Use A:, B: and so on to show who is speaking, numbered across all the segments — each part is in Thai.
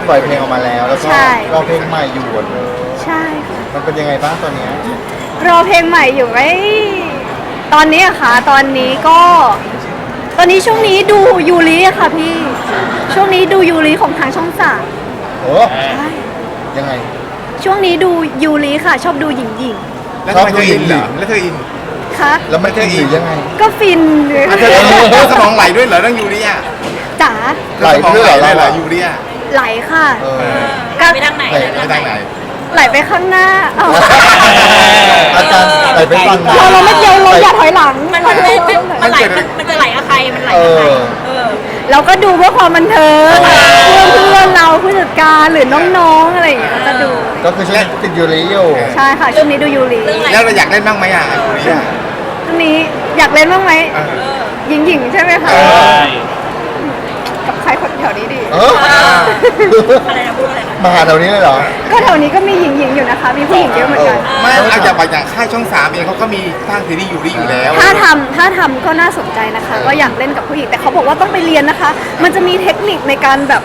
A: ปล่อยเพลงออกมาแล้วแล้วก็
B: ใช่
A: รอเพลงใหม่อยู่เลย
B: ใช่ค่ะ
A: มันเป็นยังไงบ้างตอนเนี้ย
B: รอเพลงใหม่อยู่ไหมตอนนี้อะค่ะตอนนี้ช่วงนี้ดูยูริอะค่ะพี่ช่วงนี้ดูยูริของทางช่องสาม
A: โอ้
B: ใช่
A: ยังไง
B: ช่วงนี้ดูยูริค่ะ ชอบดูหญิง
C: แล้วทำไมเธออินเหรอแล้วเธออิน
B: ๆค่ะ
A: แล้วมันจะอีกยังไง
B: ก็ฟินเลย
C: เธอสมองไหลด้วยเหรอเรื่องยูเรีย
B: จ๋า
A: ไหล
C: สมอง
A: ด้วยเหรอ
C: ไหล
A: เรา
C: ยูเรีย
B: ไหลค่ะ
A: เออ
B: ก็
D: ไปทางไหน
A: ไหล
C: ไปทางไหน
B: ไหลไปข้างหน้าเอา
A: อาจารย์ไหลไปฟัง
B: เราไม่เดียวเราอย่าถอยหลัง
D: มันไหลมันจะไหลกับใครมันไหลกับใคร
B: เราก็ดูเพื่อความบันเทิงเพื่อนเราผู้จัดการหรือน้องๆอะไรอย่างเงี้ยก็จะดู
A: ก็คือช่วงติดยูริอยู่
B: ใช่ค่ะช่วงนี้ดูยูริ
C: แล้วเราอยากเล่นบ้างไหมอ่ะยูเรีย
B: ช่วงนี้อยากเล่นบ้างไหม
C: เออ
B: หญิงๆใช่ไหมคะกับใครคนแถวนี้ดี
A: เออ
D: อะไรนะพูดอะไรนะ
A: มาหาแถวนี้เลยเหรอ
B: ก็แถวนี้ก็มีหญิงๆอยู่นะคะ มีผู้หญิงเยอะเหมือนกัน
C: ไม่เอาอย่างค่ายช่อง3เองเขาก็มีสร้างซีรีส์ยูริอยู่แล้ว
B: ถ้าทำก็น่าสนใจนะคะ ก็อยากเล่นกับผู้หญิงแต่เขาบอกว่าต้องไปเรียนนะคะ มันจะมีเทคนิคในการแบบ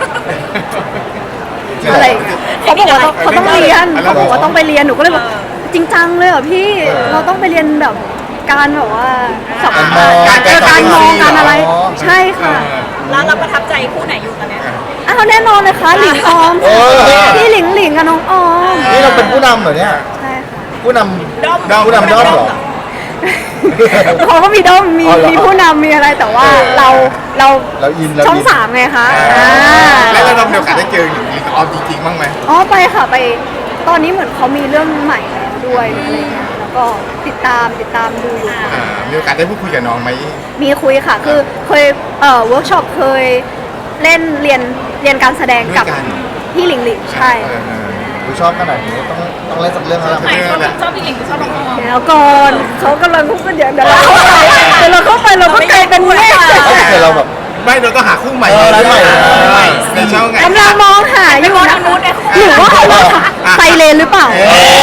B: อะไรเขาบอกว่าเขาต้องเรียนเขาบอกว่าต้องไปเรียนหนูก็เลยบอกจริงจังเลยเหรอพี่เราต้องไปเรียนแบบการแบบว่าสับ การมองการอะไร ใช่ค่ะ
D: แล้วเราประทับใจคู่ไหนอยู่ตอนเนี้ย
B: อ้าวแน่นอนเลยค่ะหลิงออมพี่หลิงกับน้องออม
A: นี่เราเป็นผู้นำเหรอเนี่ย
B: ใช่ค่ะ
A: ผู้น
D: ด้อม
A: ำผู้นำด้อมเหรอ
B: เขาก็มีด้อมมี
A: อ๋อเหรอ
B: มีผู้นำมีอะไรแต่ว่าเรา
A: เราอินเรา
B: ช่อง
A: อิน
B: สามไงคะ
C: แล้วเรามีโอกาสได้เจอหญิงกับออมจริงๆบ้างไหม
B: อ๋อไปค่ะไปตอนนี้เหมือนเขามีเรื่องใหม่แล้วด้วยอะไรเงี้ยแล้วก็ติดตามดูอยู่
C: มีโอกาสได้พูดคุยกับน้องไหม
B: มีคุยค่ะ คือเคยเวิร์กช็อปเคยเล่นเรียนการแสดงกับ
C: ด้วยกัน
B: พี่หลิงใช่
A: กูชอบขนาดนี้ต้องเล่นสักเรื่องแล้ว
D: ไหนชอบพี่หลิงหรือชอบน้องออม
B: แล้วก่อนเขากำลังพูดกันเดี๋ยวเราเข้าไปเดี๋ยวเราเข้าไปเราก็กลายเป็นแม่
A: แต่เราแบบ
C: ไม่เราต้องหาคู่ใหม่
A: ใหม่
C: ในช่องไง
B: กำลังมองหาอยู่นะหรือว่าเขาว่าไซเลนหรือเปล่า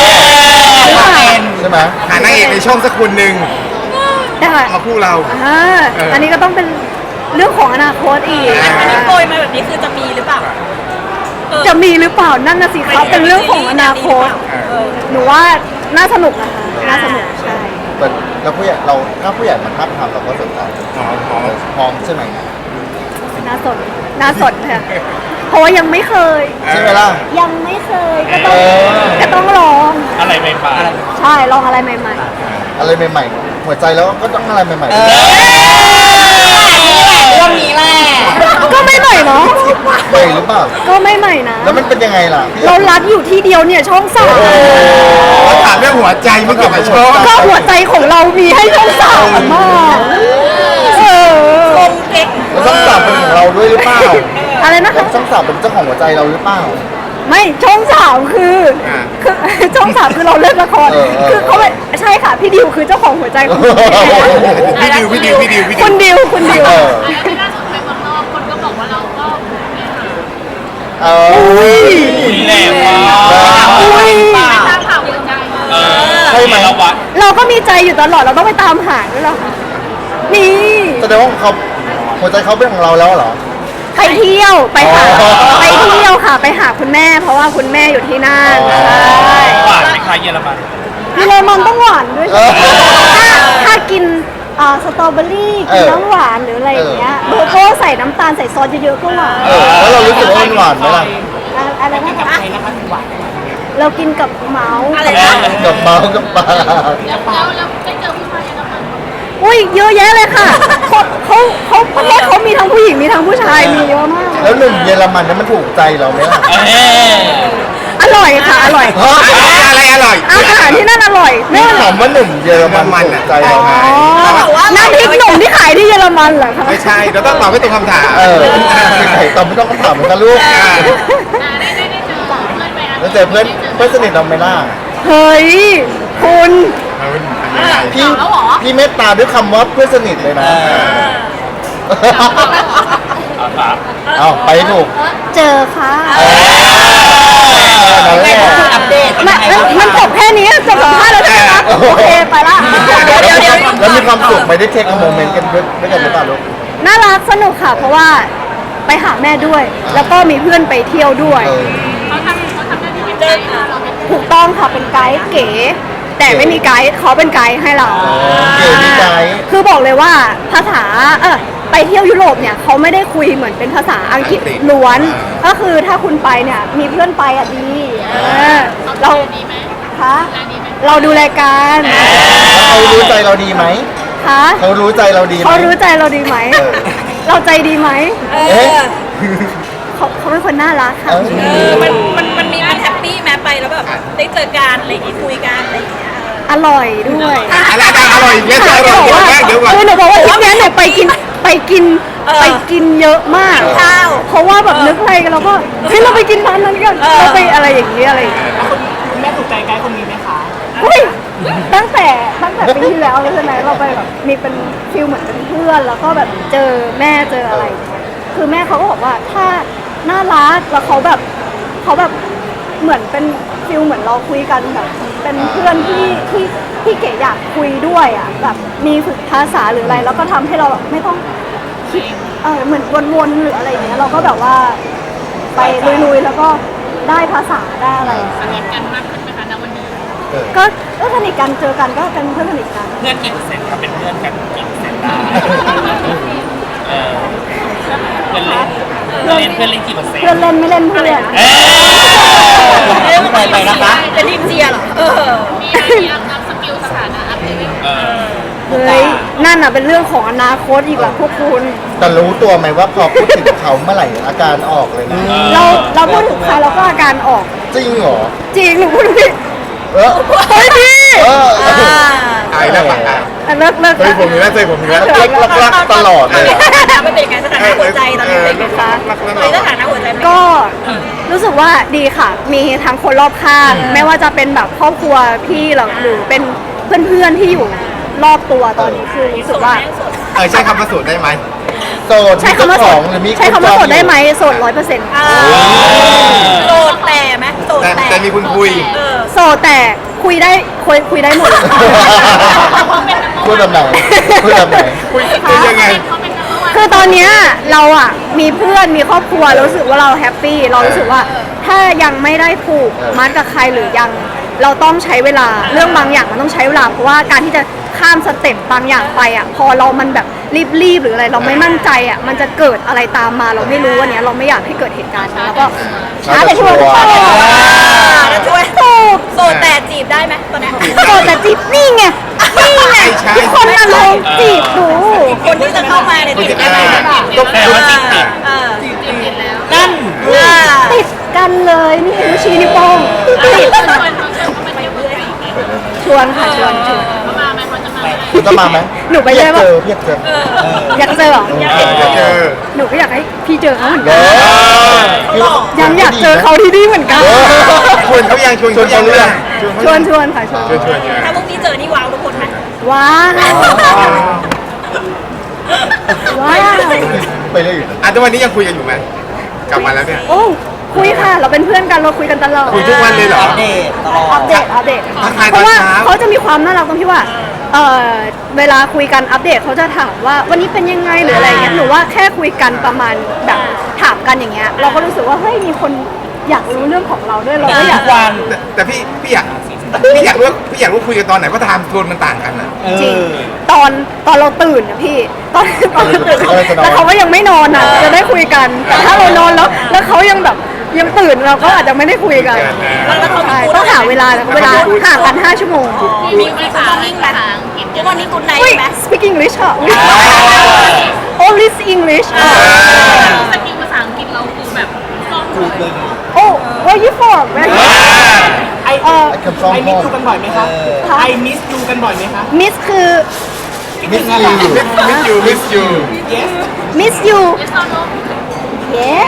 A: ใช่ไหม
C: หานางเอกในช่องสักคนหนึ่ง
B: ได้
C: มาคู่เรา
B: อันนี้ก็ต้องเป็นเรื่องของอนาคตอีก
D: อันนี้โปรยมาแบบนี้คือจะมีหรือเปล่า
B: จะมีหรือเปล่านั่นน่ะสิครับเป็นเรื่องของอนาคตหนูว่าน่าสนุกนะคะน่าสนุกใช่
A: แล้วผู้ใหญ่เราถ้าผู้ใหญ่มาทับทามเราก็สนใจพร้อมใช่ไหม
B: น่าสนค่ะเพราะว่ายังไม่เคย
A: ใช่ไหมล่ะ
B: ยังไม่เคยก็ต้องลอง
E: อะไรใหม่
B: ใช่ลองอะไรใหม่
A: อะไรใหม่ๆหัวใจแล้วก็ต้องอะไรใหม่
D: เรื่องนี้แหละ
B: ๆก็ไม่ใหม่เนาะ
A: ๆใหม่หรือเปล่า
B: ก็ไม่ใหม่นะ
A: แล้วมันเป็นยังไงล่ะ
B: เรารัดอยู่ที่เดียวเนี่ยช่องสาม
C: เราถามเรื่องหัวใจไม่เกี่ยวกับช่อง
B: ก็หัวใจของเรามีให้ช่องสามมาก
D: คงเก๊ก
A: แล้วช่องสามเป็นของเราด้วยหรือเปล่า
B: อะไรนะคะ
A: ช่องสามเป็นเจ้าของหัวใจเราหรือเปล่า
B: ไม่ช่องสามคือช่องสามคือเราเล่นละคร คือเขาไม่ใช่ค่ะพี่ดิวคือเจ้าของหัวใจของ
C: พี่ดิว
B: คุณดิว
A: เออ
D: ที่ล่าสุดไปเมืองนอกคนก็บอกว่าเราก็
A: เออ
E: ๆแรงว่ะ
B: อุ้ย
D: ตามข่าวยังไง
A: ใช่ไหม
E: เราวัด
B: เราก็มีใจอยู่ตลอดเราต้องไปตามหาด้วยเหรอคะนี่
A: แสดงว่าเขาหัวใจเขาเป็นของเราแล้วเหรอ
B: ไปเที่ยวไปหา
A: อ๋อ
B: ไปเที่ยวค่ะไปหาคุณแม่ เพราะว่าคุณแม่อยู่ที่นั่นใช่
E: หวานไหมคะเยอรมัน
B: มีเลมอนต้องหวานด้วย
A: เออ
B: ถ้ากินสตรอเบอรี่กินน้ำหวานหรืออะไรอย่างเงี้ยโกโก้ใส่น้ำตาลใส่ซอสเยอะๆก็หวาน
A: แล้วเรารู้สึกว่ามันหวานไหมล่ะ
B: อะไรนะคะเรากินกับเมาส์
D: อะไรนะ
A: กับเมาส์กับปลา
D: แล้วได้เจอผู้ชายยังไง
B: อุ้ยเยอะแยะเลยค่ะเขาประเทศเขามีทั้งผู้หญิงมีทั้งผู้ชายมีเยอะมาก
A: แล้วหนุ่มเยอรมันนั้นมันถูกใจเราไหมล่ะ
B: อร่อยค่ะอร่อย
C: อะไรอร่อย
B: อาหารที่นั่นอร่อย
A: นี่
B: แน่
A: ถามว่าหนุ่มเยอรมันถูกใจเราไหม
B: น้ำพริกหนุ่มที่ขายที่เยอรมันเหรอคะ
C: ไม่ใช่เราต้องตอบให้ตรงคำถาม
A: ไข่ตอบไม่ต้องคำถามเหมือนกันลูกแล้วเจอเพื่อนสนิทเราไหมล่ะ
B: เฮ้ยคุณ
A: พี่เมตตาด้วยคำว่าเพื่อนสนิทเลยนะ เอาไปให้ถูก
B: เจอค่ะ
A: นั่นแหละ
B: มันจบแค่นี้จบสัมภาษณ์แล้วใช่ไหมคะโอเคไปละเดี๋ยว
A: แล้วมีความสุขไหมได้เทคโมเมนต์กันด้วยกันหรือเปล่าลูก
B: น่ารักสนุกค่ะ เพราะว่าไปหาแม่ด้วย แล้วก็มีเพื่อนไปเที่ยวด้วย
D: เขาทำหน้าที่เป็นไกด์ให้เราเป็น
B: ถูกต้องค่ะเป็นไกด์เก๋ แต่ไม่มีไกด์เขาเป็นไกด์ให้เรา
A: เก๋มีไกด์
B: คือบอกเลยว่าภาษาไปเที่ยวยุโรปเนี่ยเขาไม่ได้คุยเหมือนเป็นภาษาอังกฤษล้วน ก็คือถ้าคุณไปเนี่ยมีเพื่อนไปอ่ะดีเรา
D: ดีไหม
B: คะ
D: ร้านดีไหม
B: เราดูรายการ
A: เขารู้ใจเราดีไหม
B: คะ
A: เขารู้ใจเราดีไหม
B: เขารู้ใจเราดีไหม เราใจดีไหม
A: เอ๊ะ
B: เขาเป็นคนน่ารักค่ะ
D: มันแฮปปี้แม้ไปแล้วแบบได้เจอกันอะไรอย่างงี้คุยกันอะไรอย่างเงี้ย
B: อร่อยด้วย
C: อะไรอร่อยอีกแล้วอร่อยเดี๋ยวก่อน
B: คือหนูบอกว่าทริปเนี้ยหนูไปกินเยอะมาก
D: ข้าว
B: เพราะว่าแบบนึกอะไรกันเราก็เฮ้ยเราไปกินร้านนั้นกันเราไปอะไรอย่างนี้อะไรอย่างเงี้ย
E: คุณแม่ถูกใจไกด์คนนี้ไหมคะ
B: อุ้ยตั้งแต่ปีที่แล้วเลยใช่ไหมเราไปแบบมีเป็นฟิลเหมือนเป็นเพื่อนแล้วก็แบบเจอแม่เจออะไรอย่างเงี้ยคือแม่เขาก็บอกว่าถ้าน่ารักแล้วเขาแบบเหมือนเป็นฟิลเหมือนเราคุยกันแบบเป็นเพื่อนที่เก๋อยากคุยด้วยอ่ะแบบมีฝึกภาษาหรืออะไรแล้วก็ทำให้เราแบบไม่ต้องคิดเหมือนวนๆหรืออะไรอย่างเงี้ยเราก็แบบว่าไปลุยๆแล้วก็ได้ภาษาได้อะไร
D: สนิทกันมากขึ้นไหมคะณวันนี้
B: ก็สนิทกันเจอกันก็เป็นเพื่อนสนิทกัน
E: เพื่อนกี่เปอร์เซ็นต์ครับเป็นเพื่อนกันกี่เปอร์เซ็นต์ได้เออเพื่อนเล่นกี่เปอร์เซ็นต์
B: เพื่อนเล่นไม่เล่นเพื่อน
E: ไปนะคะ
D: เป็นทีมเชียร์เหรอมีอะไรที่อัพสกิลสถานะอัพเลเวล
B: เฮ้ยนั่นอ่ะเป็นเรื่องของอนาคตอีกแหละพวกคุณ
A: แต่รู้ตัวไหมว่าพอพูดถึงเขาเมื่อไหร่อาการออกเลยนะ
B: เราพูดถึงใครเราก็อาการออก
A: จริงเหรอ
B: จริงหนูพูดถึงพี่
A: เออ
B: เฮ้ยพี่
A: เออ
C: ไอ้แล้ว
B: เลิก
C: เฮ้ยผมมีแล้วเจอผมมีแล้ว
A: รักตลอดเลยอะ
D: มันเป็นยังไงสถานะหัวใจตอนนี้เป็นยังไงตอนนี้สถานะหัวใจเป็นยังไง
B: ก็รู้สึกว่าดีค่ะ มีทั้งคนรอบข้าง ไม่ว่าจะเป็นแบบครอบครัวพี่หรือเป็นเพื่อนๆที่อยู่รอบตัวตอนนี้คือรู้สึกว่า
C: ใช้คำว่าโสดได้ไหม
A: โสด
B: ใช้คำว่า
A: มี
B: โส
A: เจ้
B: ด
A: ของหรือมี
B: ใช้คำว่าโสดได้ไหม
A: ณ
B: โสด100%
D: โสดแต่ไหมโสด
C: แต่มีคุณคุย
B: โสดแต่คุยได้หมด
A: พูดแบบไหนพูดแบบไหน
C: คุยยังไง
D: เขาเป็นนักว่า
B: คือตอนเนี้ยเราอ่ะมีเพื่อนมีครอบครัวเรารู้สึกว่าเราแฮปปี้เรารู้สึกว่าถ้ายังไม่ได้ผูกมัดกับใครหรือยังเราต้องใช้เวลาเรื่องบางอย่างมันต้องใช้เวลาเพราะว่าการที่จะข้ามสเต็ปบางอย่างไปอ่ะพอเรามันแบบรีบหรืออะไรเราไม่มั่นใจอ่ะมันจะเกิดอะไรตามมาเราไม่รู้วันนี้ยเราไม่อยากให้เกิดเหตุการณ์นี้แล้วก็ช้าแต่ชัวร์
D: แล้วช่วย
B: ถูก
D: โสดแต่จีบได้ไหมตอนนี้
B: โสดแต่จีบนี่ไงทุกคนน่ะลองจีบดู
D: คนที่จะเข้ามาในจีบได้ไหม
E: แต่ว่าติด
D: จีบติดแล้ว
E: นั่น
B: ติดกันเลยนี่นิ้วชี้นิ้วโป้งติด
D: ชวนเขามาเที่ยวเพื่อน
B: ชวนค่ะชวน
D: เขามาไหมเขาจะมาไหม
A: คุณจะมาไหม
B: หนูไปเลย
A: เจ
B: ว่า
A: อเพียกเจอ
B: อยากเจอเหรอ
C: เจอ
B: หนูก็อยากให้พี่เจอเขาเหมือน
A: เอ
B: กัน
A: อ
B: ยังอยากเจอเขาที่นี่เหมือนกัน
C: ชวนเขายังชวนเขายัง
B: ชวนค่ะชวน
C: ชวน
D: ถ้าพวกนี้เจอนี่ว้าวทุกคนไหม
B: ว้าวว้าว
A: ไปเรื่อยอยู่นะ
C: ทุกวันนี้ยังคุยกันอยู่ไหมกลับมาแล้วเนี่ย
B: โอ้คุยค่ะ เราเป็นเพื่อนกันเราคุยกันตลอด
C: คุยทุกวันเลยเหรอ
B: อัปเดต
C: ทักทาย
B: เพราะว่า
C: ตอนเช้า
B: เขาจะมีความน่ารักตรงที่ว่าเวลาคุยกันอัปเดตเขาจะถามว่าวันนี้เป็นยังไงหรืออะไรเงี้ยหนูว่าแค่คุยกันประมาณแบบถามกันอย่างเงี้ยเราก็รู้สึกว่าเฮ้ยมีคนอยากรู้เรื่องของเราด้วยเราก็อยาก
C: แต่พี่อยากรู้คุยกันตอนไหนเพราะไทม์โซนมันต่างกันนะ
B: จริงตอนเราตื่นนะพี่ตอนเราตื่นแล้วเขาก็ยังไม่นอนอ่ะจะได้คุยกันแต่ถ้าเรานอนแล้วเขายังแบบยังตื่นเราก็อาจจะไม่ได้คุยกันใช่ต้องหาเวลาห่างกัน5 ชั่วโมง
D: มีภาษาอังกฤษทุกวันนี้คุณไหน
B: อุ้ย
D: ไหม
B: speak English ค่ะ only English
D: สกิลภาษาอังกฤษเราคือแบบคล่องเลย
B: oh where you from
E: ไอมิสยูกันบ่อยไหมคะไอมิสยูกันบ่อยไหมคะ
B: miss คือ
A: มิสยู
C: มิสยู
E: yes
B: miss you
D: เอสโนโน
B: yes